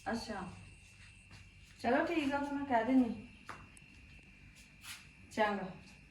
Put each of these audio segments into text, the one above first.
ਅੱਛਾ ਚਲੋ ਠੀਕ ਆ ਫਿਰ ਮੈਂ ਕਹਿ ਦਿੰਦੀ। ਚੰਗਾ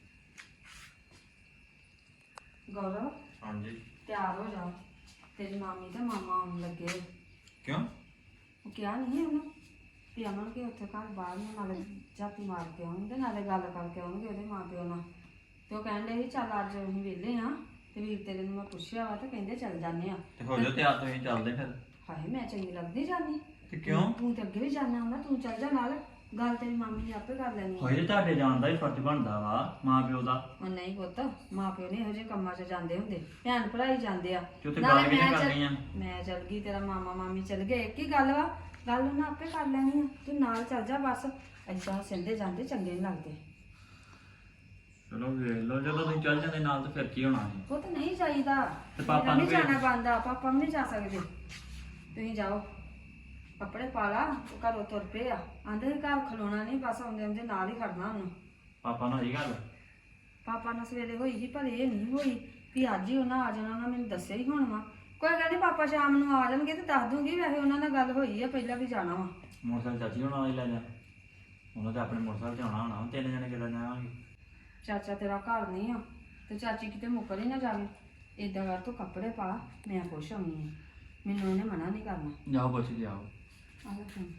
ਗੌਰਵ हाँ जी। ਤਿਆਰ ਹੋ ਜਾ, ਤੇਰੀ ਮਾਮੀ ਤੇ ਮਾਮਾ ਆਉਣ ਲੱਗੇ। क्यों? ਉਹ ਕਿਹਾ ਨਹੀਂ ਉਹਨੂੰ ਵੀ ਅਮਨ ਕੇ ਉੱਥੇ ਘਰ ਬਾਹਰ ਨੂੰ ਨਾਲੇ ਝਾਤੀ ਮਾਰ ਕੇ ਆਉਣਗੇ ਨਾਲੇ ਗੱਲ ਕਰਕੇ ਆਉਣਗੇ ਉਹਦੇ ਮਾਂ ਪਿਓ ਨਾਲ। ਤੇ ਉਹ ਕਹਿਣ ਡਏ ਸੀ ਚੱਲ ਅੱਜ ਅਸੀਂ ਵਿਹਲੇ ਹਾਂ ਤੇ ਵੀਰ ਤੇਰੇ ਨੂੰ ਮੈਂ ਪੁੱਛਿਆ ਵਾ ਤੇ ਕਹਿੰਦੇ ਚੱਲ ਜਾਂਦੇ ਆ। ਤੇ ਹੋ ਜਾ ਤਿਆਰ ਤੁਸੀਂ ਚੱਲਦੇ ਫਿਰ। ਹਾਏ ਮੈਂ ਚੰਗੀ ਲੱਗਦੀ ਜਾਂਦੀ ਤੇ ਕਿਉਂ? ਤੂੰ ਤੇ ਅੱਗੇ ਵੀ ਜਾਣਾ ਹੁੰਦਾ, ਤੂੰ ਚੱਲ ਜਾ ਨਾਲ, ਗੱਲ ਤੇਰੀ ਮਾਮੀ ਨੇ ਆਪੇ ਕਰ ਲੈਣੀ। ਹੋਏ ਤੁਹਾਡੇ ਜਾਣ ਦਾ ਹੀ ਫਰਜ਼ ਬਣਦਾ ਵਾ ਮਾਂ ਪਿਓ ਦਾ। ਉਹ ਨਹੀਂ ਪੁੱਤ, ਮਾਂ ਪਿਓ ਨੇ ਇਹੋ ਜਿਹੇ ਕੰਮਾਂ 'ਚ ਜਾਂਦੇ ਹੁੰਦੇ, ਭੈਣ ਭਰਾ ਹੀ ਜਾਂਦੇ ਆ। ਤੇ ਉੱਥੇ ਗੱਲ ਵੀ ਨਹੀਂ ਕਰਨੀ ਆ। ਮੈਂ ਚੱਲ ਗਈ, ਤੇਰਾ ਮਾਮਾ ਮਾਮੀ ਚੱਲ ਗਏ, ਇੱਕ ਹੀ ਗੱਲ ਵਾ, ਗੱਲ ਉਹਨਾਂ ਆਪੇ ਕਰ ਲੈਣੀ ਆ। ਤੂੰ ਨਾਲ ਚੱਲ ਜਾ ਬਸ, ਏਦਾਂ ਸਿੰਦੇ ਜਾਂਦੇ ਚੰਗੇ ਨਹੀਂ ਲੱਗਦੇ। ਚਲੋ ਵੇਖ ਲਓ, ਜਦੋਂ ਤੁਸੀਂ ਚੱਲ ਜਾਂਦੇ ਨਾਲ ਤਾਂ ਫਿਰ ਕੀ ਹੋਣਾ ਸੀ। ਉਹ ਤਾਂ ਨਹੀਂ ਚਾਹੀਦਾ, ਤੇ ਪਾਪਾ ਨੂੰ ਨਹੀਂ ਜਾਣਾ ਬੰਦਾ, ਪਾਪਾ ਵੀ ਨਹੀਂ ਜਾ ਸਕਦੇ। ਤੁਸੀਂ ਜਾਓ, ਕੱਪੜੇ ਪਾ ਲਾ, ਉਹ ਘਰੋਂ ਤੁਰ ਪਏ ਆ, ਆਂਦੇ ਘਰ ਖਲੋਣਾ ਨਹੀਂ, ਬਸ ਆਉਂਦੇ ਆਉਂਦੇ ਨਾਲ ਹੀ ਖੜਨਾ ਉਹਨੂੰ। ਪਾਪਾ ਨਾਲ ਹੀ ਗੱਲ? ਪਾਪਾ ਨਾਲ ਸਵੇਰੇ ਹੋਈ ਸੀ, ਪਰ ਇਹ ਨਹੀਂ ਹੋਈ ਵੀ ਅੱਜ ਹੀ ਉਹਨਾਂ ਆ ਜਾਣਾ, ਉਹਨਾਂ ਮੈਨੂੰ ਦੱਸਿਆ ਹੀ ਹੁਣ ਵਾ। ਕੋਈ ਗੱਲ ਨਹੀਂ, ਪਾਪਾ ਸ਼ਾਮ ਨੂੰ ਆ ਜਾਣਗੇ ਤੇ ਦੱਸ ਦੂੰਗੀ। ਵੈਸੇ ਉਹਨਾਂ ਨਾਲ ਗੱਲ ਹੋਈ ਆ ਪਹਿਲਾਂ ਵੀ ਜਾਣਾ ਵਾ। ਮੋਟਰਸਾਈਕਲ ਚਾਚੀ ਹੋਣਾ ਹੀ ਲੈ ਜਾ, ਉਹਨਾਂ ਤੇ ਆਪਣੇ ਮੋਟਰਸਾਈਕਲ ਤੇ ਆਉਣਾ ਹੋਣਾ, ਤਿੰਨ ਜਣੇ ਕਿੱਦਾਂ ਜਾਵਾਂਗੇ। ਚਾਚਾ ਤੇਰਾ ਘਰ ਨਹੀਂ ਆ ਤੇ ਚਾਚੀ ਕਿਤੇ ਮੁੱਕਰ ਹੀ ਨਾ ਜਾਵੇ। ਏਦਾਂ ਕਰ ਤੂੰ ਕੱਪੜੇ ਪਾ, ਮੈਂ ਖੁਸ਼ ਹੋਣੀ ਆ, ਮੈਨੂੰ ਉਹਨੇ ਮਨਾ ਨਹੀਂ ਕਰਨਾ। ਜਾਓ ਪੁੱਛ ਕੇ ਆਓ। ਆਹੋ ਫੋਨ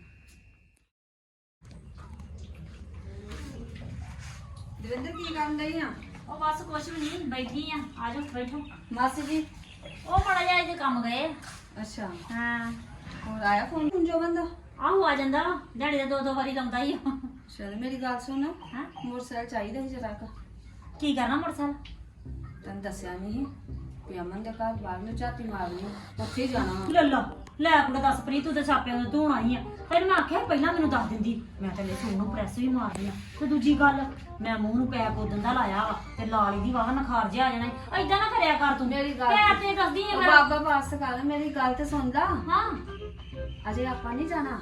ਦਵਿੰਦਰ ਕੀ ਕਰਨ ਡਈ ਆ? ਉਹ ਬਸ ਕੁਛ ਵੀ ਨਹੀਂ, ਬੈਠੀ ਆ। ਆ ਜਾਓ ਬੈਠੋ। ਮਾਸੀ ਜੀ ਉਹ ਬੜਾ ਜਿਹਾ ਇਹਦੇ ਕੰਮ ਗਏ। ਅੱਛਾ, ਹਾਂ ਹੋਰ ਆਇਆ ਫੋਨ ਜੋ ਬੰਦਾ? ਆਹੋ ਆ ਜਾਂਦਾ ਵਾ, ਦਿਹਾੜੀ ਦਾ 2-2 ਵਾਰੀ ਲਾਉਂਦਾ ਹੀ। ਚਲ ਮੇਰੀ ਗੱਲ ਸੁਣ, ਹਾਂ ਮੋਟਰਸਾਈਕਲ ਚਾਹੀਦਾ ਸੀ ਜਰਾ ਕੁ। ਕੀ ਕਰਨਾ ਮੋਟਰਸਾਈਕਲ? ਤੈਨੂੰ ਦੱਸਿਆ ਨਹੀਂ ਵੀ ਅਮਨ ਦੇ ਘਰ ਬਾਹਰ ਨੂੰ ਝਾਤੀ ਮਾਰਨੀ, ਉੱਥੇ ਹੀ ਜਾਣਾ ਵਾ। ਲੈ ਲਾ ਲੈ ਕੁੜੇ ਦੱਸ ਪ੍ਰੀ, ਤੂੰ ਤੇ ਛਾਪਿਆਂ ਨੂੰ ਧੋਣਾ ਹੀ ਆ। ਫਿਰ ਮੈਂ ਆਖਿਆ ਪਹਿਲਾਂ ਮੈਨੂੰ ਦੱਸ ਦਿੰਦੀ, ਮੈਂ ਤੇ ਲੈ ਸੂਟ ਨੂੰ ਪ੍ਰੈਸ ਵੀ ਮਾਰਦੀ ਆ। ਤੇ ਦੂਜੀ ਗੱਲ, ਮੈਂ ਮੂੰਹ ਨੂੰ ਪੈਕ ਉਦੋਂ ਦਾ ਲਾਇਆ ਵਾ ਤੇ ਲਾਲੀ ਦੀ ਵਾਹ ਨਖਾਰ ਜਿਹਾ ਆ ਜਾਣਾ। ਏਦਾਂ ਨਾ ਕਰਿਆ ਕਰ ਤੂੰ, ਮੇਰੀ ਗੱਲ ਪੈਰ ਤੇ ਦੱਸਦੀ ਆ ਉਹ ਮੈਂ। ਬਾਬਾ ਪਾਸ ਕਰ, ਮੇਰੀ ਗੱਲ ਤੇ ਸੁਣ ਲਾ। ਹਾਂ ਅਜੇ ਆਪਾਂ ਨਹੀਂ ਜਾਣਾ,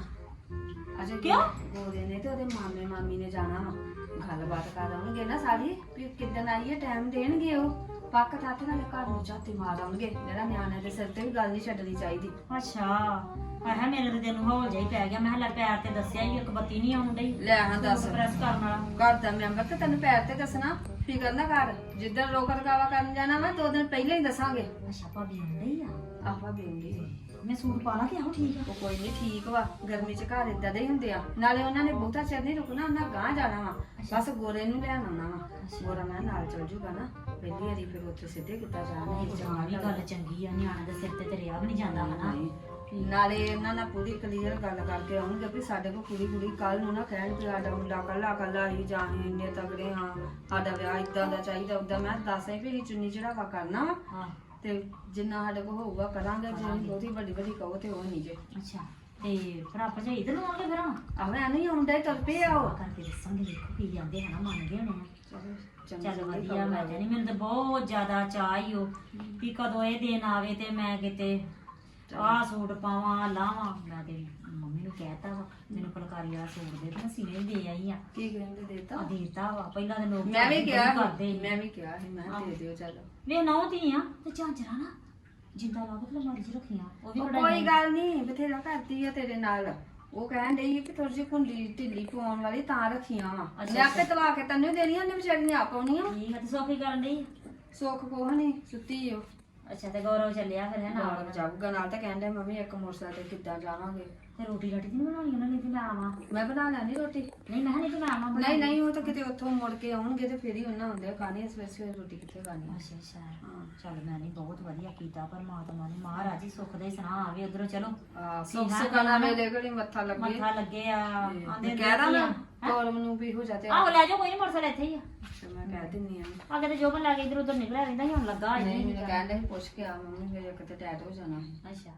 ਅਜੇ ਕਿਉਂ? ਗੋਰੇ ਨੇ ਤੇ ਉਹਦੇ ਮਾਮੇ ਮਾਮੀ ਨੇ ਜਾਣਾ ਵਾ। ਗੱਲਬਾਤ ਕਰ ਆਉਣਗੇ ਨਾ ਸਾਰੀ ਵੀ ਕਿੱਦਣ ਆਈਏ, ਟਾਈਮ ਦੇਣਗੇ ਉਹ। ਪੱਕ ਠੱਠ ਨਾਲੇ ਘਰ ਨੂੰ ਝਾਤੀ ਮਾਰ ਆਉਣਗੇ। ਜਿਹੜਾ ਨਿਆਣਿਆਂ ਦੇ ਸਿਰ ਤੇ ਵੀ ਗੱਲ ਨਹੀਂ ਛੱਡਣੀ ਚਾਹੀਦੀ। ਅੱਛਾ ਆਹ ਮੇਰੇ ਤੇ ਤੈਨੂੰ ਹੌਲ ਜਿਹਾ ਹੀ ਪੈ ਗਿਆ। ਮੈਂ ਹਲਾ ਪੈਰ ਤੇ ਦੱਸਿਆ ਹੀ, ਇੱਕ ਬੱਤੀ ਨਹੀਂ ਆਉਣ ਡਈ। ਲੈ ਹਾਂ ਦੱਸ, ਪ੍ਰੈਸ ਕਰਨ ਵਾਲਾ ਘਰ ਦਾ ਮੈਂਬਰ ਤੇ ਤੈਨੂੰ ਪੈਰ ਤੇ ਦੱਸਣਾ, ਫਿਕਰ ਨਾ ਕਰ। ਜਿੱਦਣ ਰੋਕ ਰਕਾਵਾ ਕਰਨ ਜਾਣਾ ਵਾ 2 ਦਿਨ ਪਹਿਲਾਂ ਹੀ ਦੱਸਾਂਗੇ। ਅੱਛਾ ਭਾਬੀ ਆਉਂਦੀ ਆ? ਆਹਾਂ ਬੇਂਦੀ ਮੈਂ ਸੂਟ ਪਾ ਲਾ ਕਿ ਆਹੋ ਠੀਕ ਆ? ਉਹ ਕੋਈ ਨਹੀਂ, ਠੀਕ ਵਾ। ਗਰਮੀ ਚ ਘਰ ਇਦਾਂ ਦੇ ਹੀ ਹੁੰਦੇ ਆ। ਨਾਲੇ ਉਹਨਾਂ ਨੇ ਬਹੁਤਾ ਚਿਰ ਨਹੀਂ ਰੁਕਣਾ, ਉਹਨਾਂ ਗਾਂਹ ਜਾਣਾ ਵਾ। ਬਸ ਗੋਰੇ ਨੂੰ ਲੈਣ ਆਉਣਾ ਵਾ। ਗੋਰਾ ਮੈਂ ਨਾਲ ਚਲ ਜੂਗਾ ਨਾ ਪਹਿਲੀ ਵਾਰੀ, ਫਿਰ ਉੱਥੇ ਸਿੱਧੇ ਕਿੱਦਾਂ ਜਾਣਾ। ਇਹ ਜਮਾਂ ਵੀ ਗੱਲ ਚੰਗੀ ਆ, ਨਿਆਣੇ ਦੇ ਸਿਰ ਤੇ ਰਿਆ ਵੀ ਨਹੀਂ ਜਾਂਦਾ ਹਨਾ। ਨਾਲੇ ਇਹਨਾਂ ਨਾਲ ਪੂਰੀ ਕਲੀਅਰ ਗੱਲ ਕਰਕੇ ਆਉਣਗੇ ਵੀ ਸਾਡੇ ਕੋਲ ਕੁੜੀ ਕੱਲ ਨੂੰ ਨਾ ਕਹਿਣ ਕਿ ਸਾਡਾ ਮੁੰਡਾ ਕੱਲਾ ਹੀ ਜਾਂ ਇੰਨੇ ਤਗੜੇ ਹਾਂ, ਸਾਡਾ ਵਿਆਹ ਇਦਾਂ ਦਾ ਚਾਹੀਦਾ ਉਦਾਂ। ਮੈਂ ਦੱਸਾਂ ਵੀ ਚੁੰਨੀ ਚੜਾਵਾ ਕਰਨਾ ਵਾ ਹਾਂ ਤੇ ਜਿੰਨਾ ਸਾਡੇ ਕੋਲ ਹੋਊਗਾ ਕਰਾਂਗੇ। ਜੇ ਬਹੁਤੀ ਵੱਡੀ ਕਹੋ ਤੇ ਉਹ ਨਹੀਂ ਜੇ। ਅੱਛਾ ਤੇ ਭਰਾ ਭਜਾਈ ਇਧਰ ਨੂੰ ਆਉਣਗੇ ਫਿਰ? ਆਹ ਮੈਂ ਨਹੀਂ ਆਉਂਦਾ ਹੀ ਤੁਰ ਪਏ ਆ ਉਹ। ਕਰਕੇ ਦੱਸਾਂਗੇ, ਦੇਖੋ ਕੀ ਜਾਂਦੇ ਹਨਾ, ਮੰਨ ਗਏ ਹੋਣੇ ਆ। ਚੱਲ ਵਧੀਆ, ਮੈਂ ਜਾਨੀ ਮੈਨੂੰ ਤਾਂ ਬਹੁਤ ਜ਼ਿਆਦਾ ਚਾਅ ਹੀ ਉਹ ਵੀ ਕਦੋਂ ਇਹ ਦਿਨ ਆਵੇ ਤੇ ਮੈਂ ਕਿਤੇ ਆਹ ਸੂਟ ਪਾਵਾਂ ਲਾਵਾਂ। ਮੈਂ ਤੇ ਮੰਮੀ ਨੂੰ ਕਹਿਤਾ ਵਾ ਮੈਨੂੰ ਫੁਲਕਾਰੀ ਵਾਲਾ ਸੂਟ ਦੇ, ਤੇ ਮੈਂ ਸੀਨੇ ਦੇ ਆਈ ਆ। ਕੀ ਕਹਿੰਦੇ ਦੇਤਾ? ਆ ਦੇਤਾ ਵਾ। ਪਹਿਲਾਂ ਦੇ ਲੋਕ ਮੈਂ ਵੀ ਕਿਹਾ ਕਰਦੇ ਮੈਂ ਵੀ ਕਿਹਾ ਸੀ, ਮੈਂ ਕਿਹਾ ਦੇ ਦਿਓ ਚੱਲ। ਵੇ ਨੌ ਧੀ ਆ ਤੇ ਝਾਂਜਰਾ ਨਾ ਜਿੰਦਾ ਲਾ ਕੇ ਲਮਾਰੀ 'ਚ ਰੱਖੀਆਂ। ਉਹ ਵੀ ਕੋਈ ਗੱਲ ਨਹੀਂ, ਬਥੇਰਾ ਕਰਦੀ ਆ ਤੇਰੇ ਨਾਲ। ਉਹ ਕਹਿਣ ਡਈ ਕਿ ਥੋੜੀ ਜਿਹੀ ਕੁੰਡੀ ਢਿੱਲੀ ਪਾਉਣ ਵਾਲੀ ਤਾਂ ਰੱਖੀਆਂ ਵਾ। ਮੈਂ ਆਪੇ ਤਵਾ ਕੇ ਤੈਨੂੰ ਦੇਣੀਆਂ, ਉਹਨੇ ਵਿਚਾਰੀ ਨੇ ਆਪ ਆਉਣੀਆਂ। ਠੀਕ ਆ ਤੇ ਸੋਖੀ ਕਰਨ ਡਈ? ਸੁੱਖ ਕੋਹ ਨਹੀਂ, ਸੁੱਤੀ ਓ। ਅੱਛਾ ਤੇ ਗੌਰਵ ਚੱਲਿਆ ਫਿਰ ਹੈ ਨਾਲ? ਨਾਲ ਜਾਊਗਾ ਨਾਲ, ਤਾਂ ਕਹਿੰਦੇ ਮੰਮੀ ਇੱਕ ਮੋਟਰਸਾਈਕਲ ਤੇ ਕਿੱਦਾਂ ਜਾਵਾਂਗੇ। ਤੇ ਰੋਟੀ ਰਾਟੀ ਨਹੀਂ ਬਣਾਉਣੀ ਉਹਨਾਂ ਨੇ ਤੇ ਮੈਂ ਆਵਾਂ? ਮੈਂ ਬਣਾ ਲੈਣੀ ਰੋਟੀ। ਨਹੀਂ ਮੈਂ ਨਹੀਂ ਤੇ ਮੈਂ ਆਵਾਂ ਨਹੀਂ ਨਹੀਂ, ਉਹ ਤਾਂ ਕਿਤੇ ਉੱਥੋਂ ਮੁੜ ਕੇ ਆਉਣਗੇ ਤੇ ਫਿਰ ਹੀ ਉਹਨਾਂ ਹੁੰਦੇ ਖਾਣੀ। ਸਵੇਰੇ ਰੋਟੀ ਕਿੱਥੇ ਖਾਣੀ? ਅੱਛਾ ਅੱਛਾ ਹਾਂ ਚੱਲ ਮੈਂ ਨਹੀਂ ਬਹੁਤ ਵਧੀਆ ਕੀਤਾ ਪਰਮਾਤਮਾ ਨੇ। ਮਹਾਰਾਜ ਹੀ ਸੁੱਖ ਦੇ ਸੁਣਾ ਆਵੇ ਉਧਰੋਂ। ਚਲੋ ਸੁੱਖ ਸੁਖਾਣਾ ਵੇਲੇ ਘੜੀ ਮੱਥਾ ਲੱਗੇ। ਮੱਥਾ ਲੱਗੇ ਆ ਆਂਦੇ ਕਹਿ ਦਾਂ ਨਾ ਕੋਲਮ ਨੂੰ ਵੀ ਹੋ ਜਾਤੇ। ਆਹੋ ਲੈ ਜਾਓ, ਕੋਈ ਨਹੀਂ ਮੋਟਰਸਾਈਕਲ ਇੱਥੇ ਹੀ ਆ। ਮੈਂ ਕਹਿ ਦਿੰਨੀ ਆ। ਅੱਗੇ ਤੇ ਜੋਬਨ ਲਾ ਕੇ ਇਧਰ ਉਧਰ ਨਿਕਲਿਆ ਰਹਿੰਦਾ ਸੀ, ਹੁਣ ਲੱਗਾ ਨਹੀਂ ਮੈਨੂੰ ਕਹਿੰਦੇ ਸੀ ਪੁੱਛ ਕੇ ਆ ਮੰਮੀ, ਮੇਰੇ ਇੱਕ ਤੇ ਟੈਟ ਹੋ ਜਾਣਾ। ਅੱਛਾ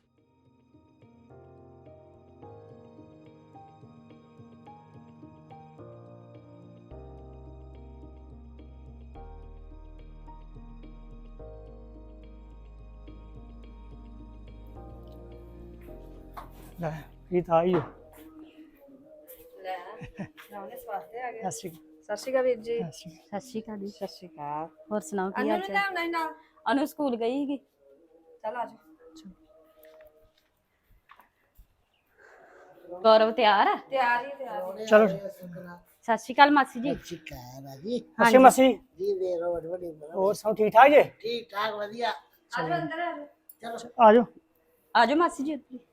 ਲੈ ਇਹ ਤਾਂ ਆਈ ਹੋ। ਲੈ ਨਾਲੇ ਸਵਾਸਤੇ ਆ ਗਏ। ਸਤਿ ਸ਼੍ਰੀ ਸਤਿ ਸ਼੍ਰੀ ਅਕਾਲ ਵੀਰ ਜੀ। ਅਕਾਲ। ਸਤਿ ਸ਼੍ਰੀ ਅਕਾਲ ਜੀ। ਸਤਿ ਸ਼੍ਰੀ ਅਕਾਲ। ਹੋਰ ਸੁਣਾਓ ਕੀ ਅਨੂ ਹਾਲ ਨੂੰ ਚਾਲ? ਲਿਆਉਣਾ ਹੀ ਨਾਲ। ਅਨੂ ਸਕੂਲ ਗਈ ਸੀਗੀ। ਚੱਲ ਆ ਜਾ। ਗੌਰਵ ਤਿਆਰ ਆ? ਤਿਆਰ ਹੀ ਤਿਆਰ ਚਲੋ ਸਤਿ ਸ਼੍ਰੀ ਅਕਾਲ ਮਾਸੀ ਜੀ। ਅਸੀਂ ਮਸੀ ਜੀ ਦੇ ਰੋਡ ਵੱਡੀ ਹੋਰ ਸਭ ਠੀਕ ਠਾਕ ਜੇ ਠੀਕ ਠਾਕ ਵਧੀਆ ਆਜੋ ਅੰਦਰ ਆਜੋ ਆ ਜਾਓ ਆਜੋ ਮਾਸੀ ਜੀ ਉੱਧਰ।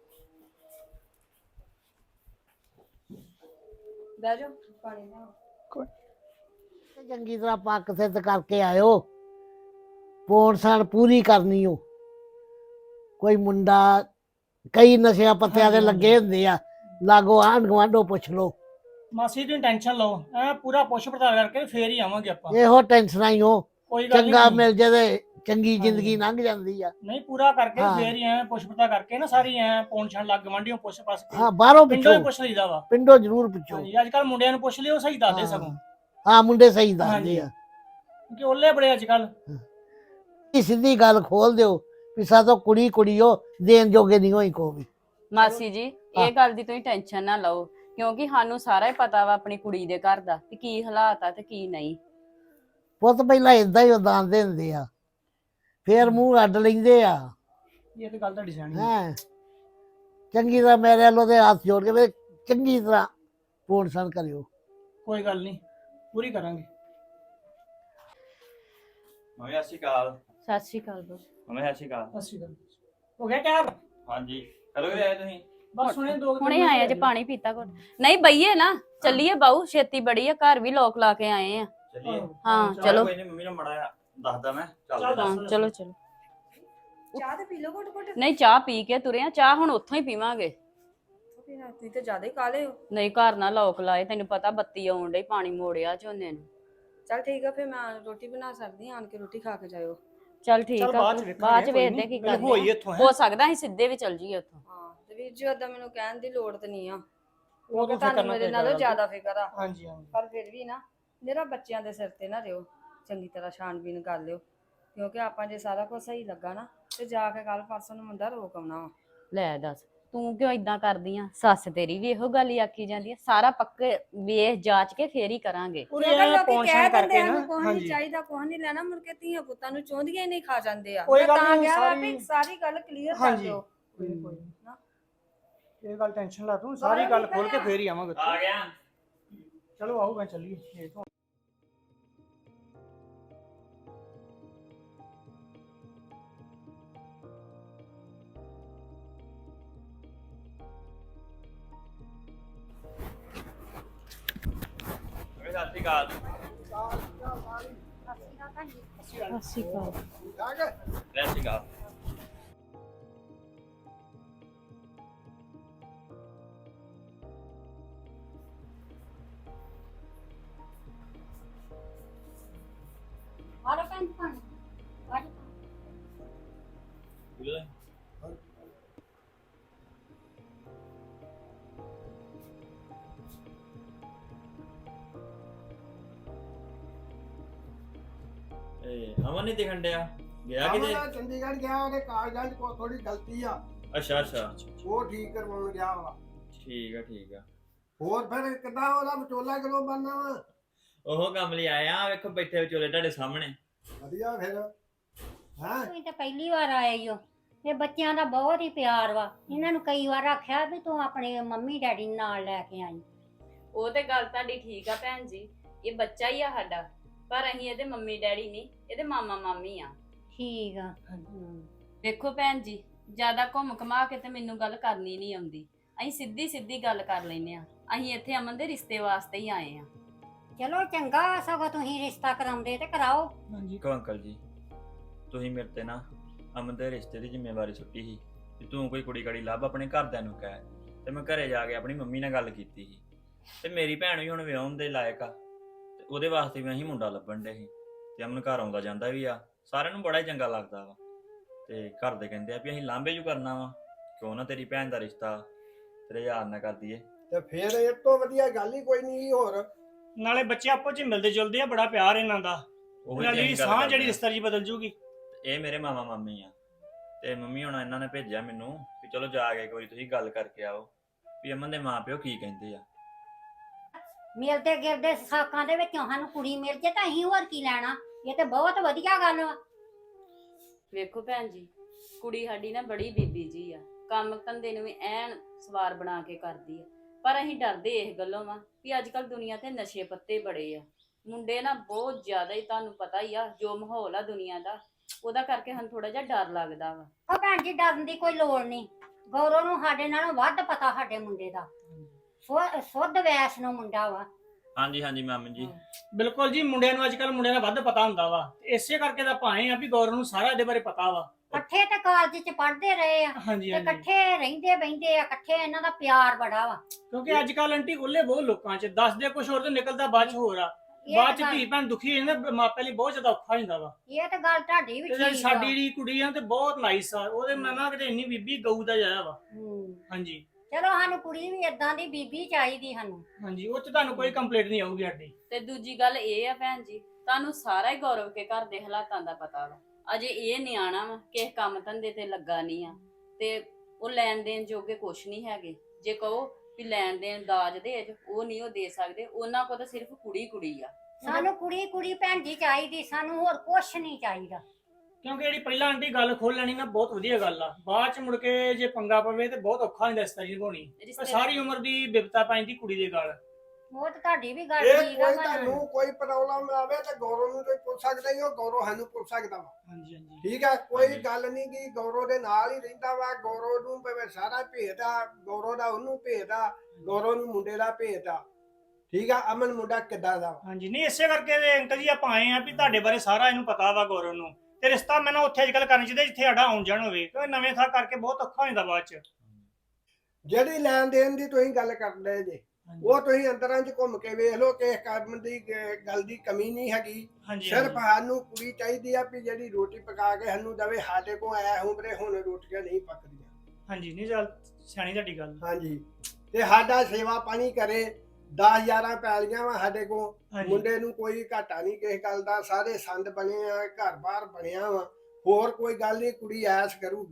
ਬਹਿ ਜਾਓ ਪਾਣੀ ਲਿਆਓ। ਤੇ ਚੰਗੀ ਤਰ੍ਹਾਂ ਪੱਕ ਸਿੱਧ ਕਰਕੇ ਆਇਓ ਪੌਣ ਸਾਲ ਪੂਰੀ ਕਰਨੀ ਓ ਕੋਈ ਮੁੰਡਾ ਕਈ ਨਸ਼ਿਆਂ ਪੱਤਿਆਂ ਦੇ ਲੱਗੇ ਹੁੰਦੇ ਆ ਲਾਗੋ ਆਂਢ ਗੁਆਂਢੋਂ ਪੁੱਛ ਲਓ ਮਾਸੀ ਦੀ ਟੈਨਸ਼ਨ ਲਓ ਐ ਪੂਰਾ ਪੁੱਛ ਪੜਤਾਲ ਕਰਕੇ ਫੇਰ ਹੀ ਆਵਾਂਗੇ ਆਪਾਂ ਇਹੋ ਟੈਨਸ਼ਨਾਂ ਹੀ ਹੋ ਕੋਈ ਗੱਲ ਚੰਗਾ ਨਹੀਂ ਮਿਲ ਜੇ ਤੇ ਚੰਗੀ ਜ਼ਿੰਦਗੀ ਲੰਘ ਜਾਂਦੀ ਆ ਨਹੀਂ ਪੂਰਾ ਕਰਕੇ ਹਾਂ। ਫੇਰ ਹੀ ਐ ਪੁੱਛ ਪੜਤਾਲ ਕਰਕੇ ਨਾ ਸਾਰੀ ਐ ਪੌਣ ਛਣ ਲੱਗ ਗਵਾਂਢੀਆਂ ਪੁੱਛ ਪਾਸ ਕੇ ਹਾਂ ਬਾਹਰੋਂ ਪਿੰਡੋਂ ਹੀ ਪੁੱਛੋ ਪੁੱਛ ਲਈਦਾ ਵਾ ਪਿੰਡੋਂ ਜ਼ਰੂਰ ਪੁੱਛੋ ਹਾਂਜੀ ਅੱਜ ਕੱਲ ਮੁੰਡਿਆਂ ਨੂੰ ਪੁੱਛ ਲਿਓ ਸਹੀ ਦੱਸਦੇ ਹਾਂ। ਸਗੋਂ ਹਾਂ ਮੁੰਡੇ ਸਹੀ ਦੱਸਦੇ ਹਾਂਜੀ। ਆ ਕਿ ਓਲੇ ਬੜੇ ਅੱਜ ਕੱਲ ਇਹ ਸਿੱਧੀ ਗੱਲ ਖੋਲ ਦਿਓ ਵੀ ਸਾਤੋਂ ਕੁੜੀ ਕੁੜੀਓ ਦੇਣ ਜੋਗੇ ਨਹੀਂ ਹੋਈ ਕੋਈ ਮਾਸੀ ਜੀ ਹਾਂ। ਇਹ ਗੱਲ ਦੀ ਤੁਸੀਂ ਟੈਨਸ਼ਨ ਨਾ ਲਓ ਕਿਉਂਕਿ ਸਾਨੂੰ ਸਾਰਾ ਹੀ ਪਤਾ ਵਾ ਆਪਣੀ ਕੁੜੀ ਦੇ ਘਰ ਦਾ ਕਿ ਕੀ ਹਾਲਾਤ ਆ ਤੇ ਕੀ ਨਹੀਂ। ਪੁੱਤ ਪਹਿਲਾਂ ਇਦਾਂ ਹੀ ਉਦਾਨ ਦੇ ਹੁੰਦੇ ਆ ਫੇਰ ਮੂੰਹ ਅੱਡ ਲੈਂਦੇ ਆ ਇਹ ਤੇ ਗੱਲ ਤੁਹਾਡੀ ਸਿਆਣੀ ਹੈ। ਹੈ ਚੰਗੀ ਤਰ੍ਹਾਂ ਮੇਰੇ ਵੱਲੋਂ ਦੇ ਹੱਥ ਜੋੜ ਕੇ ਮੇਰੇ ਚੰਗੀ ਤਰ੍ਹਾਂ ਪੂਰਨ ਸਣ ਕਰਿਓ ਕੋਈ ਗੱਲ ਨਹੀਂ ਪੂਰੀ ਕਰਾਂਗੇ। ਮੰਮੀ ਸਤਿ ਸ਼੍ਰੀ ਅਕਾਲ। ਸਤਿ ਸ਼੍ਰੀ ਅਕਾਲ ਬਸ। ਮੰਮੀ ਸਤਿ ਸ਼੍ਰੀ ਅਕਾਲ। ਅੱਛੀ ਗੱਲ ਹੋ ਗਿਆ ਤਿਆਰ ਹਾਂਜੀ ਕਦੋਂ ਆਏ ਤੁਸੀਂ? ਬਸ ਹੁਣੇ ਦੋ ਕੁ ਹੁਣੇ ਮਿੰਟ ਆਏ ਜੇ ਪਾਣੀ ਪੀਤਾ ਕੋਲ ਨਹੀਂ ਬਈਏ ਨਾ ਚੱਲੀਏ ਬਾਊ ਛੇਤੀ ਬੜੀ ਆ ਘਰ ਵੀ ਲੋਕ ਲਾ ਕੇ ਆਏ ਆ। ਚੱਲੀਏ। ਹਾਂ ਚਲੋ ਕੋਈ ਨਹੀਂ ਮੰਮੀ ਨੂੰ ਮੜਾ ਦੱਸਦਾ ਮੈਂ ਚੱਲ ਚੱਲਦੇ ਹਾਂ ਦੱਸ। ਚਲੋ ਚਲੋ। ਚਾਹ ਤੇ ਪੀ ਲਓ ਘੁੱਟ ਘੁੱਟ ਨਹੀਂ ਚਾਹ ਪੀ ਕੇ ਤੁਰੇ ਆ ਚਾਹ ਹੁਣ ਉੱਥੋਂ ਹੀ ਪੀਵਾਂਗੇ। ਫਿਰ ਰਾਤੀ ਤੇ ਜ਼ਿਆਦਾ ਹੀ ਕਾਲੇ ਹੋ। ਨਹੀਂ ਘਰ ਨਾ ਲੋਕ ਲਾਏ ਤੈਨੂੰ ਪਤਾ ਬੱਤੀ ਆਉਣ ਡਈ ਪਾਣੀ ਮੋੜਿਆ ਝੋਨੇ ਨੂੰ। ਚੱਲ ਠੀਕ ਆ ਫਿਰ ਮੈਂ ਰੋਟੀ ਬਣਾ ਸਕਦੀ ਆਂ ਆਣ ਕੇ ਰੋਟੀ ਖਾ ਕੇ ਜਾਇਓ। ਚੱਲ ਠੀਕ ਚੱਲ ਆ ਬਾਅਦ ਚ ਫਿਰ। ਵੇਖਾਂਗੇ, ਬਾਅਦ ਚ ਕੋਈ ਵੇਖਦੇ ਨੀ। ਕੀ ਪਹਿਲੇ ਹੋਈ ਕਰਦੇ ਇੱਥੋਂ, ਆ। ਹੈਂ। ਹੋ ਸਕਦਾ ਅਸੀਂ ਸਿੱਧੇ ਵੀ ਚੱਲ ਜੀਏ ਉੱਥੋਂ। ਹਾਂ ਤੇ ਵੀਰ ਜੀ ਓਦਾਂ ਮੈਨੂੰ ਕਹਿਣ ਦੀ ਲੋੜ ਤੇ ਨਹੀਂ ਆ ਉਹ ਤਾਂ ਤੁਹਾਨੂੰ ਕਰਨਾ ਮੇਰੇ ਪਏਗਾ ਨਾਲੋਂ ਗੱਲ। ਜ਼ਿਆਦਾ ਫਿਕਰ ਆ ਹਾਂਜੀ ਹਾਂਜੀ ਪਰ ਫਿਰ ਵੀ ਨਾ ਮੇਰਾ ਬੱਚਿਆਂ ਦੇ ਸਿਰ ਤੇ ਨਾ ਰਿਓ ਚੰਗੀ ਤਰ੍ਹਾਂ ਛਾਣਬੀਨ ਕਰ ਲਿਓ ਕਿਉਂਕਿ ਆਪਾਂ ਜੇ ਸਾਰਾ ਕੁਝ ਸਹੀ ਲੱਗਾ ਨਾ ਤੇ ਜਾ ਕੇ ਕੱਲ ਪਰਸੋਂ ਨੂੰ ਮੁੰਡਾ ਰੋਕ ਆਉਣਾ ਵਾ। ਲੈ ਦੱਸ ਤੂੰ ਕਿਉਂ ਇਦਾਂ ਕਰਦੀ ਆ ਸੱਸ ਤੇਰੀ ਵੀ ਇਹੋ ਗੱਲ ਹੀ ਆਖੀ ਜਾਂਦੀ ਆ ਸਾਰਾ ਪੱਕੇ ਵੇਖ ਜਾਂਚ ਕੇ ਫੇਰ ਹੀ ਕਰਾਂਗੇ। ਪੂਰੇ ਅਗਰ ਐਂ ਲੋਕੀ ਪਹੁੰਚ ਕਹਿ ਕਰਕੇ ਦਿੰਦੇ ਨਾ ਆ ਕੁਝ ਨਹੀਂ ਹਾਂਜੀ ਚਾਹੀਦਾ ਕੁਝ ਨਹੀਂ ਲੈਣਾ ਮੁੜ ਕੇ ਧੀਆਂ ਪੁੱਤਾਂ ਨੂੰ ਚੋਂਦੀਆਂ ਹੀ ਨਹੀਂ ਖਾ ਜਾਂਦੇ ਆ ਕੋਈ ਮੈਂ ਗੱਲ ਤਾਂ ਨੀ, ਕਿਹਾ ਵਾ ਸਾਰੀ- ਵੀ ਸਾਰੀ ਗੱਲ ਕਲੀਅਰ ਕਰ ਹਾਂਜੀ। ਦਿਓ। ਕੋਈ ਨੀ, ਕੋਈ ਨੀ। ਇਹ ਗੱਲ ਟੈਨਸ਼ਨ ਲਾ ਤੂੰ ਸਾਰੀ ਗੱਲ ਖੋਲ ਕੇ ਫੇਰ ਹੀ ਆਵਾਂਗੇ ਉੱਥੇ। ਆ ਗਿਆ। ਚਲੋ ਆਓ ਮੈਂ ਚੱਲੀਏ ਇਹ ਤੋਂ ਮੰਮੀ ਸਤਿ ਸ਼੍ਰੀ ਅਕਾਲ। ਸਤਿ ਸ਼੍ਰੀ ਅਕਾਲ। ਸਤਿ ਸ਼੍ਰੀ ਅਕਾਲ। ਆਲੋ ਪੈਨ ਪਾਣੀ ਅਮਨ ਨਹੀਂ ਦਿਖਣ ਡਿਆ ਗਿਆ ਕਿਤੇ? ਆਵਾਂ ਚੰਡੀਗੜ੍ਹ ਗਿਆ ਉਹਦੇ ਕਾਗਜ਼ਾਂ 'ਚ ਕੋਈ ਥੋੜੀ ਗਲਤੀ ਆ ਅੱਛਾ ਅੱਛਾ ਉਹ ਠੀਕ ਕਰਵਾਉਣ ਗਿਆ ਵਾ ਠੀਕ ਆ ਠੀਕ ਆ। ਹੋਰ ਫਿਰ ਕਿੱਦਾਂ ਉਹਦਾ ਵਿਚੋਲਾ ਕਿਲੋ ਬਣਨਾ ਵਾ ਉਹ ਕੰਮ ਲਈ ਆਇਆ ਵੇਖੋ ਬੈਠੇ ਵਿਚੋਲੇ ਤੁਹਾਡੇ ਸਾਹਮਣੇ। ਵਧੀਆ ਫਿਰ ਹਾਂ ਤੁਸੀਂ ਤਾਂ ਪਹਿਲੀ ਵਾਰ ਆਏ ਹੋ ਇਹ ਬੱਚਿਆਂ ਦਾ ਬਹੁਤ ਹੀ ਪਿਆਰ ਵਾ ਇਹਨਾਂ ਨੂੰ ਕਈ ਵਾਰ ਆਖਿਆ ਵੀ ਤੂੰ ਆਪਣੇ ਮੰਮੀ ਡੈਡੀ ਨੂੰ ਨਾਲ ਲੈ ਕੇ ਆਈ। ਉਹ ਤੇ ਗੱਲ ਤੁਹਾਡੀ ਠੀਕ ਆ ਭੈਣ ਜੀ ਇਹ ਬੱਚਾ ਹੀ ਆ ਸਾਡਾ ਪਰ ਅਸੀਂ ਇਹਦੇ ਮੰਮੀ ਡੈਡੀ ਨਹੀਂ ਇਹਦੇ ਮਾਮਾ ਮਾਮੀ ਆ। ਠੀਕ ਆ ਵੇਖੋ ਭੈਣ ਜੀ ਜਿਆਦਾ ਘੁੰਮ ਘਮਾ ਕੇ ਤੇ ਮੈਨੂੰ ਗੱਲ ਕਰਨੀ ਨਹੀਂ ਆਉਂਦੀ ਅਸੀਂ ਸਿੱਧੀ ਸਿੱਧੀ ਗੱਲ ਕਰ ਲੈਨੇ ਆ ਅਸੀਂ ਇੱਥੇ ਅਮਨ ਦੇ ਰਿਸ਼ਤੇ ਵਾਸਤੇ ਹੀ ਆਏ ਆ। ਚਲੋ ਚੰਗਾ ਸਗੋਂ ਤੁਸੀਂ ਰਿਸ਼ਤਾ ਕਰਾਉਂਦੇ ਤੇ ਕਰਾਓ। ਹਾਂਜੀ ਕੋ ਅੰਕਲ ਜੀ ਤੁਸੀਂ ਮੇਰੇ ਤੇ ਨਾ ਅਮਨ ਦੇ ਰਿਸ਼ਤੇ ਦੀ ਜ਼ਿੰਮੇਵਾਰੀ ਸੁੱਟੀ ਸੀ ਕਿ ਤੂੰ ਕੋਈ ਕੁੜੀ ਕਾੜੀ ਲੱਭ ਆਪਣੇ ਘਰਦਿਆਂ ਨੂੰ ਕਹਿ ਤੇ ਮੈਂ ਘਰੇ ਜਾ ਕੇ ਆਪਣੀ ਮੰਮੀ ਨਾਲ ਗੱਲ ਕੀਤੀ ਸੀ ਤੇ ਮੇਰੀ ਭੈਣ ਵੀ ਹੁਣ ਵਿਆਹੁਣ ਦੇ ਲਾਇਕ ਆ ਤੇ ਉਹਦੇ ਵਾਸਤੇ ਵੀ ਅਸੀਂ ਮੁੰਡਾ ਲੱਭਣ ਦੇ ਸੀ ਤੇ ਅਮਨ ਘਰ ਆਉਂਦਾ ਜਾਂਦਾ ਵੀ ਆ ਸਾਰਿਆਂ ਨੂੰ ਬੜਾ ਹੀ ਚੰਗਾ ਲੱਗਦਾ ਵਾ ਤੇ ਘਰ ਦੇ ਕਹਿੰਦੇ ਆ ਵੀ ਅਸੀਂ ਲਾਂਭੇ ਜੂ ਕਰਨਾ ਵਾ ਕਿਉਂ ਨਾ ਤੇਰੀ ਭੈਣ ਦਾ ਰਿਸ਼ਤਾ ਤੇਰੇ ਯਾਰ ਨਾਲ ਕਰ ਦਈਏ। ਤੇ ਫਿਰ ਇਹ ਤੋਂ ਵਧੀਆ ਗੱਲ ਹੀ ਕੋਈ ਨਹੀਂ ਹੋਰ ਨਾਲੇ ਬੱਚੇ ਆਪੋ ਚ ਮਿਲਦੇ ਜੁਲਦੇ ਆ ਬੜਾ ਪਿਆਰ ਇਹਨਾਂ ਦਾ ਉਹੀ ਇਹਨਾਂ ਤੇ ਦੀ ਅਸੀਂ ਗੱਲ ਸਾਹ ਕਰਦੇ ਜਿਹੜੀ ਆ। ਰਿਸ਼ਤਾ ਜੀ ਬਦਲ ਜੂਗੀ। ਇਹ ਮੇਰੇ ਮਾਮਾ ਮਾਮੀ ਆ ਤੇ ਮੰਮੀ ਹੁਣ ਇਹਨਾਂ ਨੇ ਭੇਜਿਆ ਮੈਨੂੰ ਵੀ ਚਲੋ ਜਾ ਕੇ ਇੱਕ ਵਾਰੀ ਤੁਸੀਂ ਗੱਲ ਕਰਕੇ ਆਓ ਵੀ ਅਮਨ ਦੇ ਮਾਪਿਓ ਕੀ ਕਹਿੰਦੇ ਆ। ਮਿਲਦੇ ਗਿਲਦੇ ਸਾਕਾਂ ਦੇ ਵਿੱਚੋਂ ਸਾਨੂੰ ਕੁੜੀ ਮਿਲ ਜੇ ਤਾਂ ਅਸੀਂ ਹੋਰ ਕੀ ਲੈਣਾ ਇਹ ਤੇ ਬਹੁਤ ਵਧੀਆ ਗੱਲ ਵਾ। ਵੇਖੋ ਭੈਣ ਜੀ ਕੁੜੀ ਸਾਡੀ ਨਾ ਬੜੀ ਬੀਬੀ ਜੀ ਆ ਕੰਮ ਧੰਦੇ ਨੂੰ ਵੀ ਐਨ ਸਵਾਰ ਬਣਾ ਕੇ ਕਰਦੀ ਆ। ਪਰ ਅਸੀਂ ਡਰਦੇ ਇਸ ਗੱਲੋਂ ਵਾ ਵੀ ਅੱਜ ਕੱਲ ਦੁਨੀਆ ਤੇ ਨਸ਼ੇ ਪੱਤੇ ਬੜੇ ਆ। ਮੁੰਡੇ ਨਾ ਬਹੁਤ ਜ਼ਿਆਦਾ ਹੀ, ਤੁਹਾਨੂੰ ਪਤਾ ਹੀ ਆ ਜੋ ਮਾਹੌਲ ਆ ਦੁਨੀਆ ਦਾ, ਉਹਦਾ ਕਰਕੇ ਸਾਨੂੰ ਥੋੜਾ ਜਿਹਾ ਡਰ ਲੱਗਦਾ ਵਾ। ਉਹ ਭੈਣ ਜੀ ਡਰਨ ਦੀ ਕੋਈ ਲੋੜ ਨਹੀਂ। ਗੌਰਵ ਨੂੰ ਸਾਡੇ ਨਾਲੋਂ ਵੱਧ ਪਤਾ ਸਾਡੇ ਮੁੰਡੇ ਦਾ। ਸੁੱਧ ਵੈਸ ਨੂੰ ਮੁੰਡਾ ਵਾ। ਹਾਂਜੀ ਹਾਂਜੀ ਮਾਮੀ ਜੀ। ਬਿਲਕੁਲ ਜੀ, ਮੁੰਡਿਆਂ ਨੂੰ ਅੱਜ ਕੱਲ ਮੁੰਡਿਆਂ ਦਾ ਵੱਧ ਪਤਾ ਹੁੰਦਾ ਵਾ। ਇਸੇ ਕਰਕੇ ਤਾਂ ਭਾਏ ਆ ਵੀ ਗੌਰਵ ਨੂੰ ਸਾਰਾ ਇਹਦੇ ਬਾਰੇ ਪਤਾ ਵਾ। ਇਕੱਠੇ ਤੇ ਕਾਲਜ ਚ ਪੜ੍ਹਦੇ ਰਹੇ ਆ ਹਾਂਜੀ ਤੇ ਹਾਂਜੀ, ਇਕੱਠੇ ਰਹਿੰਦੇ ਬਹਿੰਦੇ ਆ, ਇਕੱਠੇ ਇਹਨਾਂ ਦਾ ਪਿਆਰ ਬੜਾ ਵਾ। ਕਿਉਂਕਿ ਅੱਜ ਕੱਲ ਆਂਟੀ ਉਹਲੇ ਬਹੁਤ ਲੋਕਾਂ 'ਚ ਦੱਸਦੇ ਕੁਝ ਹੋਰ ਤੇ ਨਿਕਲਦਾ ਬਾਅਦ 'ਚ ਹੋਰ ਆ। ਇਹ ਬਾਅਦ 'ਚ ਤਾਂ ਧੀ ਭੈਣ ਦੁਖੀ ਹੋ ਜਾਂਦਾ, ਮਾਪਿਆਂ ਲਈ ਬਹੁਤ ਜ਼ਿਆਦਾ ਔਖਾ ਹੋ ਜਾਂਦਾ ਵਾ। ਇਹ ਤਾਂ ਗੱਲ ਤੁਹਾਡੀ ਵੀ ਤੇ ਠੀਕ ਆ। ਸਾਡੀ ਜਿਹੜੀ ਕੁੜੀ ਆ ਤੇ ਬਹੁਤ ਨਾਈਸ ਆ, ਉਹਦੇ ਮਨਾਂ ਕਿਤੇ ਇੰਨੀ ਬੀਬੀ ਗਊ ਦਾ ਜਾਇਆ ਵਾ। ਹਾਂਜੀ ਚਲੋ ਸਾਨੂੰ ਕੁੜੀ ਵੀ ਏਦਾਂ ਦੀ ਬੀਬੀ ਚਾਹੀਦੀ ਸਾਨੂੰ। ਹਾਂਜੀ, ਉਹ 'ਚ ਤੁਹਾਨੂੰ ਕੋਈ ਕੰਪਲੇਂਟ ਨਹੀਂ ਆਊਗੀ ਸਾਡੀ। ਤੇ ਦੂਜੀ ਗੱਲ ਇਹ ਆ ਭੈਣ ਜੀ, ਤੁਹਾਨੂੰ ਸਾਰਾ ਹੀ ਗੌਰਵ ਕੇ ਘਰ ਦੇ ਹਾਲਾਤਾਂ ਦਾ ਪਤਾ ਵਾ। ਅਜੇ ਇਹ ਨਿਆਣਾ ਵਾ, ਕਿਸੇ ਕੰਮ ਧੰਦੇ ਤੇ ਲੱਗਾ ਨਹੀਂ ਆ, ਤੇ ਉਹ ਲੈਣ ਦੇਣ ਜੋਗੇ ਕੁਛ ਨਹੀਂ ਹੈਗੇ। ਜੇ ਕਹੋ ਵੀ ਲੈਣ ਦੇਣ ਦਾਜ ਦੇਜ, ਉਹ ਨਹੀਂ ਉਹ ਦੇ ਸਕਦੇ। ਉਹਨਾਂ ਕੋਲ ਤਾਂ ਸਿਰਫ ਕੁੜੀ ਕੁੜੀ ਆ। ਸਾਨੂੰ ਕੁੜੀ ਕੁੜੀ ਭੈਣ ਜੀ ਚਾਹੀਦੀ, ਸਾਨੂੰ ਹੋਰ ਕੁਛ ਨਹੀਂ ਚਾਹੀਦਾ। ਕਿਉਂਕਿ ਜਿਹੜੀ ਪਹਿਲਾਂ ਆਂਟੀ ਗੱਲ ਖੋਲ ਲੈਣੀ ਨਾ ਬਹੁਤ ਵਧੀਆ ਗੱਲ ਆ। ਬਾਅਦ 'ਚ ਮੁੜ ਕੇ ਜੇ ਪੰਗਾ ਪਵੇ ਤੇ ਬਹੁਤ ਔਖਾ ਹੁੰਦਾ ਇਸ ਤਰ੍ਹਾਂ ਨਿਭਾਉਣੀ। ਸਾਰੀ ਉਮਰ ਦੀ ਬਿਪਤਾ ਪੈਂਦੀ ਕੁੜੀ ਦੇ ਗੱਲ। ਉਹ ਤਾਂ ਤੁਹਾਡੀ ਵੀ ਗੱਲ ਇਹ ਠੀਕ ਆ ਕੋਈ ਪਰ ਤੁਹਾਨੂੰ ਕੋਈ ਪ੍ਰੋਬਲਮ ਆਵੇ ਤਾਂ ਗੌਰਵ ਨੂੰ ਕੋਈ ਪੁੱਛ ਸਕਦਾ ਹੀ, ਉਹ ਗੌਰਵ ਸਾਨੂੰ ਪੁੱਛ ਸਕਦਾ ਵਾ। ਹਾਂਜੀ ਹਾਂਜੀ, ਠੀਕ ਆ, ਕੋਈ ਹਾਂਜੀ। ਗੱਲ ਨਹੀਂ ਕਿ ਗੌਰਵ ਦੇ ਨਾਲ ਹੀ ਰਹਿੰਦਾ ਵਾ। ਗੌਰਵ ਨੂੰ ਭਾਵੇਂ ਸਾਰਾ ਭੇਤ ਆ, ਗੌਰਵ ਦਾ ਉਹਨੂੰ ਭੇਤ ਆ, ਗੌਰਵ ਨੂੰ ਮੁੰਡੇ ਦਾ ਭੇਤ ਆ। ਠੀਕ ਆ, ਅਮਨ ਮੁੰਡਾ ਕਿੱਦਾਂ ਦਾ ਵਾ। ਹਾਂਜੀ। ਨਹੀਂ ਇਸੇ ਕਰਕੇ ਤੇ ਅੰਕਲ ਜੀ ਆਪਾਂ ਆਏ ਆ ਵੀ ਤੁਹਾਡੇ ਬਾਰੇ ਸਾਰਾ ਇਹਨੂੰ ਪਤਾ ਵਾ ਗੌਰਵ ਨੂੰ। ਤੇ ਰਿਸ਼ਤਾ ਮੈਨੂੰ ਉੱਥੇ ਅੱਜ ਕੱਲ ਕਰਨਾ ਚਾਹੀਦਾ ਜਿੱਥੇ ਸਾਡਾ ਆਉਣ ਜਾਣ ਹੋਵੇ, ਕਿਉਂਕਿ ਨਵੇਂ ਥਾਂ ਕਰਕੇ ਬਹੁਤ ਔਖਾ ਹੋ ਜਾਂਦਾ ਬਾਅਦ 'ਚ। ਜਿਹੜੀ ਲੈਣ ਦੇਣ ਦੀ ਤੁਸੀਂ ਗੱਲ ਕਰਦੇ ਜੇ, ਉਹ ਤੁਸੀਂ ਅੰਦਰਾਂ 'ਚ ਘੁੰਮ ਕੇ ਵੇਖ ਲਓ ਕਿ ਕੰਮ ਦੀ ਗੱਲ ਦੀ ਕਮੀ ਨਹੀਂ ਹੈਗੀ। ਹਾਂਜੀ ਸਿਰਫ ਸਾਨੂੰ ਕੁੜੀ ਚਾਹੀਦੀ ਆ ਵੀ ਜਿਹੜੀ ਰੋਟੀ ਪਕਾ ਕੇ ਸਾਨੂੰ ਦਵੇ। ਸਾਡੇ ਕੋਲ ਆਇਆ ਉਮਰੇ ਹੁਣ ਰੋਟੀਆਂ ਨਹੀਂ ਪੱਕਦੀਆਂ। ਹਾਂਜੀ, ਨਹੀਂ ਚੱਲ ਸਿਆਣੀ ਤੁਹਾਡੀ ਗੱਲ। ਹਾਂਜੀ, ਤੇ ਸਾਡਾ ਸੇਵਾ ਪਾਣੀ ਕਰੇ। 10-11 ਪੈਲੀਆਂ ਵਾ ਸਾਡੇ ਕੋਲ। ਹਾਂਜੀ ਮੁੰਡੇ ਨੂੰ ਕੋਈ ਘਾਟਾ ਨਹੀਂ ਕਿਸੇ ਗੱਲ ਦਾ। ਸਾਰੇ ਸੰਦ ਬਣੇ ਆ, ਘਰ-ਬਾਰ ਬਣਿਆ ਵਾ। ਹੋਰ ਕੋਈ ਗੱਲ ਨਹੀਂ, ਕੁੜੀ ਐਸ ਕਰੂਗੀ।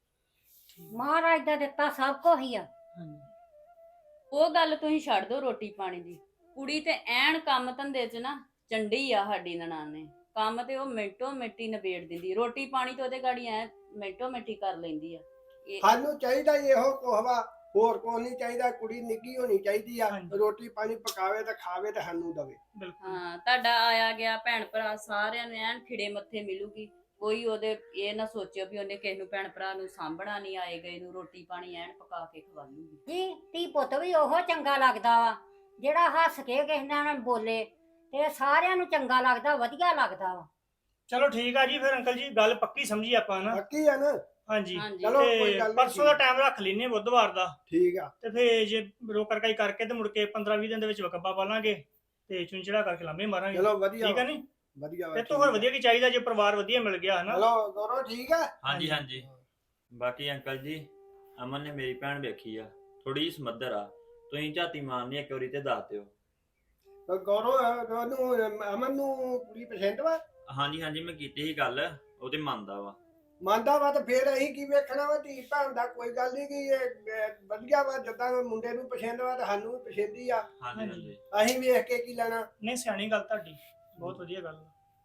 ਮਹਾਰਾਜ ਦਾ ਦਿੱਤਾ ਸਭ ਕੁਝ ਹੀ ਆ। ਹਾਂਜੀ, ਉਹ ਗੱਲ ਤੁਸੀਂ ਛੱਡ ਦਿਓ ਰੋਟੀ ਪਾਣੀ ਦੀ। ਕੁੜੀ ਤੇ ਐਨ ਕੰਮ ਧੰਦੇ 'ਚ ਨਾ ਚੰਡੀ ਆ ਸਾਡੀ ਨਨਾਣ ਨੇ। ਕੰਮ ਤੇ ਉਹ ਮਿੰਟੋ ਮਿੰਟੀ ਨਿਬੇੜ ਦਿੰਦੀ, ਰੋਟੀ ਪਾਣੀ ਤੇ ਉਹਦੇ ਗਾੜੀ ਐ ਮਿੰਟੋ ਮਿੰਟੀ ਕਰ ਲੈਂਦੀ ਆ। ਸਾਨੂੰ ਚਾਹੀਦਾ ਹੀ ਇਹੋ ਕੁਛ ਵਾ, ਹੋਰ ਕੋਈ ਨਹੀਂ ਚਾਹੀਦਾ। ਕੁੜੀ ਨਿੱਕੀ ਹੋਣੀ ਚਾਹੀਦੀ ਆ, ਹਾਂਜੀ। ਰੋਟੀ ਪਾਣੀ ਪਕਾਵੇ ਤੇ ਖਾਵੇ ਤੇ ਸਾਨੂੰ ਦਵੇ। ਬਿਲਕੁਲ। ਹਾਂ, ਤੁਹਾਡਾ ਆਇਆ ਗਿਆ ਭੈਣ ਭਰਾ ਸਾਰਿਆਂ ਨੂੰ ਐਨ ਖਿੜੇ ਮੱਥੇ ਮਿਲੂਗੀ। ਕੋਈ ਉਹਦੇ ਇਹ ਨਾ ਸੋਚਿਓ ਵੀ ਉਹਨੇ ਕਿਸੇ ਨੂੰ ਭੈਣ ਭਰਾ ਨੂੰ ਸਾਂਭਣਾ ਨਹੀਂ, ਆਏ ਗਏ ਨੂੰ ਰੋਟੀ ਪਾਣੀ ਐਨ ਪਕਾ ਕੇ ਖਵਾਲੂਗੀ। ਜੀ ਧੀ ਪੁੱਤ ਵੀ ਉਹ ਚੰਗਾ ਲੱਗਦਾ ਵਾ ਜਿਹੜਾ ਹੱਸ ਕੇ ਕਿਸੇ ਨਾਲ ਬੋਲੇ, ਤੇ ਸਾਰਿਆਂ ਨੂੰ ਚੰਗਾ ਲੱਗਦਾ, ਵਧੀਆ ਲੱਗਦਾ ਵਾ। ਚਲੋ ਠੀਕ ਆ ਜੀ, ਫਿਰ ਅੰਕਲ ਜੀ ਗੱਲ ਪੱਕੀ ਸਮਝੀ ਆਪਾਂ ਨਾ। ਬਾਕੀ ਆ ਨਾ। ਹਾਂਜੀ, ਹਾਂਜੀ। ਚਲੋ ਕੋਈ ਤੇ ਗੱਲ ਨੀ। ਪਰਸੋਂ ਦਾ ਟਾਈਮ ਰੱਖ ਲੈਨੇ ਬੁੱਧਵਾਰ ਦਾ। ਠੀਕ ਆ। ਤੇ ਫਿਰ ਜੇ ਰੋਕਰ ਕਾਈ ਕਰਕੇ ਤੇ ਮੁੜ ਕੇ 15-20 ਦਿਨ ਦੇ ਵਿੱਚ ਵਕਬਾ ਪਾ ਲਾਂਗੇ ਤੇ ਚੁੰਚੜਾ ਕਰਕੇ ਲਾਂਬੇ ਮਾਰਾਂਗੇ। ਚਲੋ ਵਧੀਆ ਠੀਕ ਆ ਵਾ, ਨਹੀਂ? ਵਧੀਆ ਵਾ, ਇਹ ਤੋਂ ਹੋਰ ਵਧੀਆ ਕੀ ਚਾਹੀਦਾ ਜੇ ਪਰਿਵਾਰ ਵਧੀਆ ਮਿਲ ਗਿਆ ਹਨਾ। ਚਲੋ ਗੌਰਵ ਠੀਕ ਆ। ਹਾਂਜੀ ਹਾਂਜੀ। ਬਾਕੀ ਅੰਕਲ ਜੀ, ਅਮਨ ਨੇ ਮੇਰੀ ਭੈਣ ਵੇਖੀ ਆ, ਥੋੜੀ ਜਿਹੀ ਸਮੱਧਰ ਆ। ਤੁਸੀਂ ਝਾਤੀ ਮਾਰਨੀ ਇੱਕ ਵਾਰੀ ਤੇ ਦੱਸ ਦਿਓ। ਗੌਰਵ ਨੂੰ ਅਮਨ ਨੂੰ ਕੁੜੀ ਪਸੰਦ ਵਾ। ਹਾਂਜੀ ਹਾਂਜੀ, ਮੈਂ ਕੀਤੀ ਸੀ ਗੱਲ, ਉਹ ਤੇ ਮੰਨਦਾ ਵਾ। ਮੰਨਦਾ ਵਾ ਤਾਂ ਫੇਰ ਅਸੀਂ ਕੀ ਵੇਖਣਾ ਵਾ। ਧੀ ਭੈਣ ਦਾ ਕੋਈ ਗੱਲ ਨਹੀਂ ਕਿ ਇਹ ਵਧੀਆ ਵਾ। ਜਿੱਦਾਂ ਮੁੰਡੇ ਨੂੰ ਪਸੰਦ ਵਾ ਤਾਂ ਸਾਨੂੰ ਵੀ ਪਸੰਦ ਹੀ ਆ। ਹਾਂਜੀ ਹਾਂਜੀ। ਅਸੀਂ ਵੇਖ ਕੇ ਕੀ ਲੈਣਾ। ਨਹੀਂ ਸਿਆਣੀ ਗੱਲ ਤੁਹਾਡੀ, ਬਹੁਤ ਵਧੀਆ ਗੱਲ ਆ।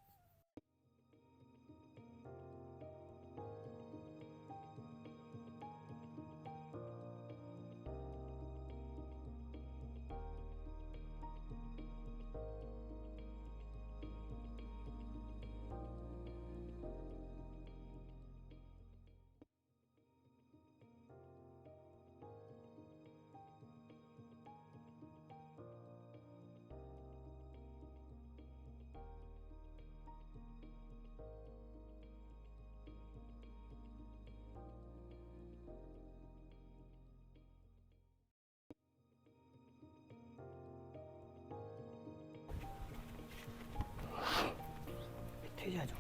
ਇੱਥੇ ਜਾ ਜਾਓ।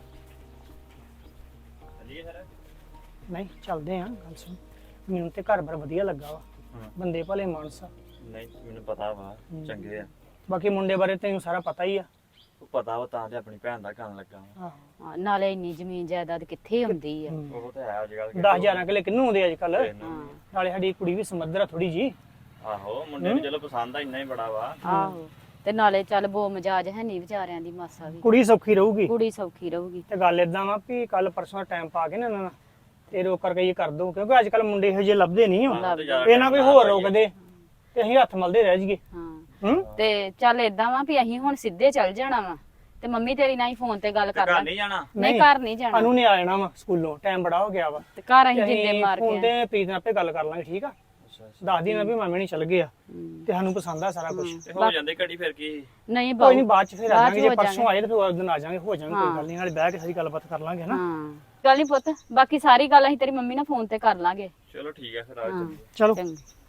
ਚੱਲੀਏ ਫਿਰ। ਨਹੀਂ ਚੱਲਦੇ ਆ। ਗੱਲ ਸੁਣ, ਮੈਨੂੰ ਤੇ ਘਰ ਬਾਰ ਵਧੀਆ ਲੱਗਾ ਵਾ। ਹਾਂ। ਬੰਦੇ ਭਲੇ ਮਾਨਸ ਆ। ਨਹੀਂ ਮੈਨੂੰ ਪਤਾ ਵਾ, ਚੰਗੇ ਆ। ਬਾਕੀ ਮੁੰਡੇ ਬਾਰੇ ਤੈਨੂੰ ਸਾਰਾ ਪਤਾ ਹੀ ਆ। ਉਹ ਪਤਾ ਵਾ, ਤਾਂ ਤੇ ਆਪਣੀ ਭੈਣ ਦਾ ਕਰਨ ਲੱਗਾ ਵਾ। ਆਹੋ, ਹਾਂ, ਨਾਲੇ ਇੰਨੀ ਜ਼ਮੀਨ ਜਾਇਦਾਦ ਕਿੱਥੇ ਹੁੰਦੀ ਆ। ਉਹ ਤੇ ਹੈ ਅੱਜ ਕੱਲ। 10,000 ਕਿਲੇ ਕਿੰਨੂੰ ਆਉਂਦੇ ਅੱਜ ਕੱਲ। ਹਾਂ ਨਾਲੇ ਸਾਡੀ ਕੁੜੀ ਵੀ ਸਮੱਧਰ ਆ ਥੋੜੀ ਜੀ। ਆਹੋ, ਮੁੰਡੇ ਨੂੰ ਚਲੋ ਪਸੰਦ ਆ, ਇੰਨਾ ਹੀ ਬੜਾ ਵਾ। ਆਹੋ, ਤੇ ਨਾਲੇ ਚੱਲ ਬੋ ਮਜਾਜ ਹੈ ਨਹੀਂ ਵਿਚਾਰਿਆਂ ਦੀ ਮਾਸਾ ਵੀ। ਕੁੜੀ ਸੌਖੀ ਰਹੂਗੀ। ਕੁੜੀ ਸੌਖੀ ਰਹੂਗੀ। ਤੇ ਗੱਲ ਇਦਾਂ ਵਾ ਵੀ ਕੱਲ ਪਰਸੋਂ ਟਾਈਮ ਪਾ ਕੇ ਨਾ ਇਹਨਾਂ ਨਾਲ ਤੇ ਰੋਕ ਕਰਕੇ ਇਹ ਕਰ ਦੋ, ਕਿਉਂਕਿ ਅੱਜ ਕੱਲ ਮੁੰਡੇ ਇਹੋ ਜਿਹੇ ਲੱਭਦੇ ਨਹੀਂ ਹੋ। ਤੇ ਜ਼ਿਆਦਾ ਇਹ ਨਾ ਕੋਈ ਹੋਰ ਰੋਕਦੇ ਤੇ ਅਸੀਂ ਹੱਥ ਮਲਦੇ ਰਹਿ ਜਾਈਏ। ਹਾਂ ਤੇ ਚੱਲ ਏਦਾਂ ਵਾ ਵੀ ਅਸੀਂ ਹੁਣ ਸਿੱਧੇ ਚੱਲ ਜਾਣਾ ਵਾ ਤੇ ਮੰਮੀ ਤੇਰੀ ਨਾਲ ਹੀ ਫੋਨ ਤੇ ਗੱਲ ਕਰ ਘਰ ਲਾਂ। ਨਹੀਂ ਜਾਣਾ। ਨਹੀਂ ਘਰ ਨਹੀਂ ਜਾਣਾ, ਸਾਨੂੰ ਨਹੀਂ ਆ ਜਾਣਾ ਵਾ ਸਕੂਲੋਂ, ਟਾਈਮ ਬੜਾ ਹੋ ਗਿਆ ਵਾ। ਤੇ ਘਰ ਅਸੀਂ ਜਿੰਦੇ ਮਾਰ ਫੋਨ ਕੇ ਤੇ ਪ੍ਰੀਤ ਨਾਲ ਆਪੇ ਗੱਲ ਕਰ ਲਾਂਗੇ, ਠੀਕ ਆ? ਦੱਸ ਦੀ ਨਾ ਵੀ ਮਾਮੇ ਨਹੀਂ ਚੱਲ ਗਏ ਆ ਤੇ ਸਾਨੂੰ ਪਸੰਦ ਆ ਸਾਰਾ ਕੁਝ। ਤੇ ਹੋ ਜਾਂਦੇ ਘੜੀ ਫਿਰ ਕੀ। ਨਹੀਂ ਕੋਈ ਨਹੀਂ, ਬਾਉ ਬਾਅਦ ਚ ਫਿਰ ਆ ਬਾਅਦ ਚ ਜਾਾਂਗੇ, ਜੇ ਹੋ ਪਰਸੋਂ ਆਏ ਤੇ ਫਿਰ ਉਸ ਦਿਨ ਆ ਜਾਾਂਗੇ, ਹੋ ਜਾਾਂਗੇ, ਕੋਈ ਗੱਲ ਨਹੀਂ, ਨਾਲੇ ਬਹਿ ਕੇ ਸਾਰੀ ਗੱਲਬਾਤ ਕਰ ਲਾਂਗੇ ਨਾ। ਹਾਂ ਗੱਲ ਨਹੀਂ ਪੁੱਤ, ਬਾਕੀ ਸਾਰੀ ਗੱਲ ਅਸੀਂ ਤੇਰੀ ਮੰਮੀ ਨਾਲ ਫੋਨ ਤੇ ਕਰ ਲਾਂਗੇ। ਚਲੋ ਠੀਕ ਹੈ ਫਿਰ ਆ ਹਾਂ ਚਲੋ ਚੰਗਾ।